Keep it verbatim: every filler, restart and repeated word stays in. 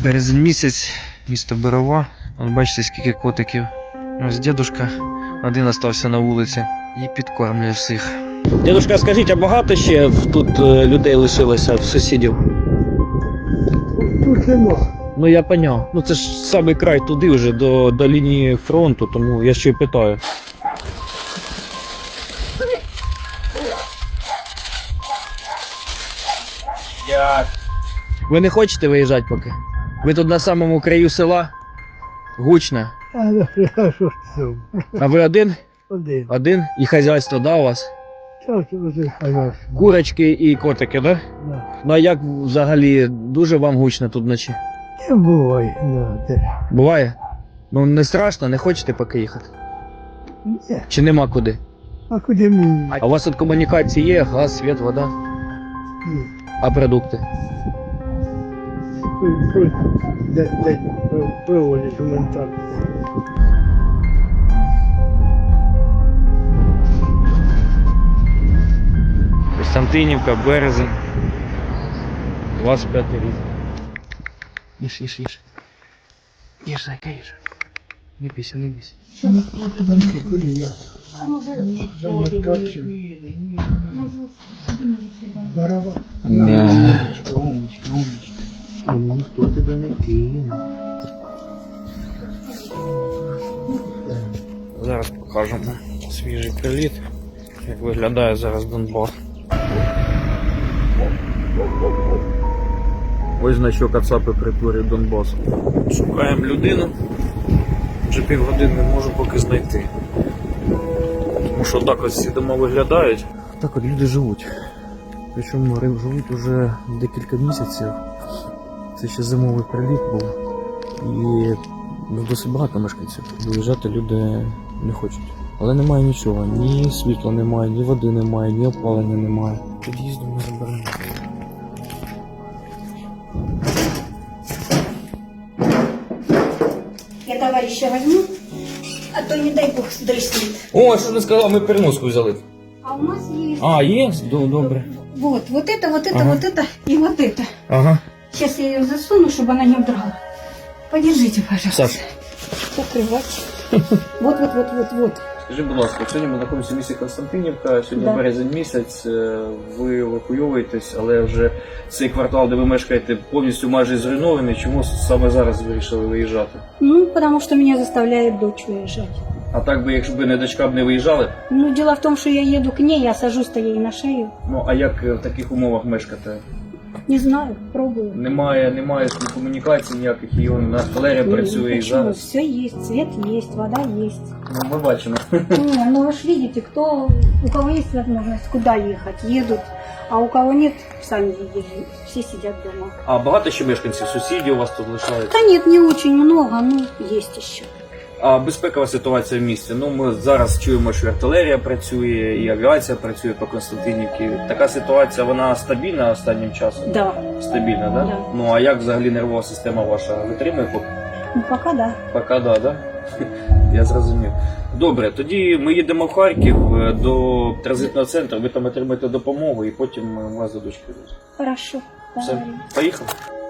Березень місяць, місто Берова. Вон бачите, скільки котиків. Ось дідушка один залишився на вулиці і підкормлює всіх. Дідушка, скажіть, а багато ще тут людей лишилося, сусідів? Тут нема. Ну я поняв. Ну це ж самий край туди вже, до, до лінії фронту, тому я ще й питаю. Як? Ви не хочете виїжджати поки? Ви тут на самому краю села? Гучно. А ну, а що ж це? А ви один? Один. Один? І хазяйство, да, у вас? Так, один хазяйство. Курочки і котики, да? Да. Ну а як взагалі, дуже вам гучно тут вночі? Не буває, да, теж. Буває? Ну не страшно, не хочете поки їхати? Ні. Чи нема куди? А куди мені? А у вас тут комунікації є, газ, світ, вода? Ні. А продукти? Де, де проводять гуманітарку. Костянтинівка, березень. двадцять п'ятий рік. Їж, їж, їж. Їж, зайка, їж. Не бійся, не бійся. Барава. Умничка, умничка, умничка. Ну, ніхто тебе не кине. Зараз покажемо свіжий приліт, як виглядає зараз Донбас. Ось значок АЦАПи притворює Донбасу. Шукаємо людину. Вже півгодини не можу поки знайти. Тому що так ось ці дома виглядають. Так от люди живуть. Причому живуть уже декілька місяців. Це ще зимовий приліт був. І ну, досить багато мешканців. Виїжджати люди не хочуть. Але немає нічого. Ні світла немає, ні води немає, ні опалення немає. Під'їзду не заберемо. Я товарища возьму, а то не дай бог дрыснет. О, що ти сказав, ми переноску взяли. А у нас есть... А, є? Добре. Вот, вот это, вот это, Ага. вот это и вот это. Ага. Сейчас я ее засуну, чтобы она не удрала. Подержите, пожалуйста. Саш. Закрывать. Вот, вот, вот, вот, вот. Скажи, будь ласка, сьогодні ми знаходимося в місті Костянтинівка, сьогодні Да. березень місяць, ви евакуйовуєтесь, але вже цей квартал, де ви мешкаєте, повністю майже зруйнований. Чому саме зараз вирішили виїжджати? Ну, потому что меня заставляет дочь уезжать. А так би, якщо б не дочка б не виїжджали? Ну, дело в том, что я еду к ней, я сажусь-то ей на шею. Ну, а як в таких умовах мешкати? Не знаю, пробую. Немає, немає комунікацій ніяких, і он, артилерія Ну, працює і почему? зараз. Все есть, свет есть, вода есть. Ну, ми бачимо. Не, ну вы же видите, кто, у кого есть возможность, куда ехать, едут, а у кого нет, сами видели, все сидят дома. А багато ще мешканців, сусідів у вас тут лишається? Да нет, не очень много, но есть еще. А безпекова ситуація в місті? Ну, ми зараз чуємо, що артилерія працює, і авіація працює по Костянтинівці. Така ситуація, вона стабільна останнім часом? Да, Стабільна, да? Да. Ну, а як взагалі нервова система ваша витримує? Поки, ну пока да. поки да, да? Я зрозумів. Добре, тоді ми їдемо в Харків е, до транзитного центру, ви там отримаєте допомогу і потім е, вас до дочки. Хорошо, Все, договорились. поїхали?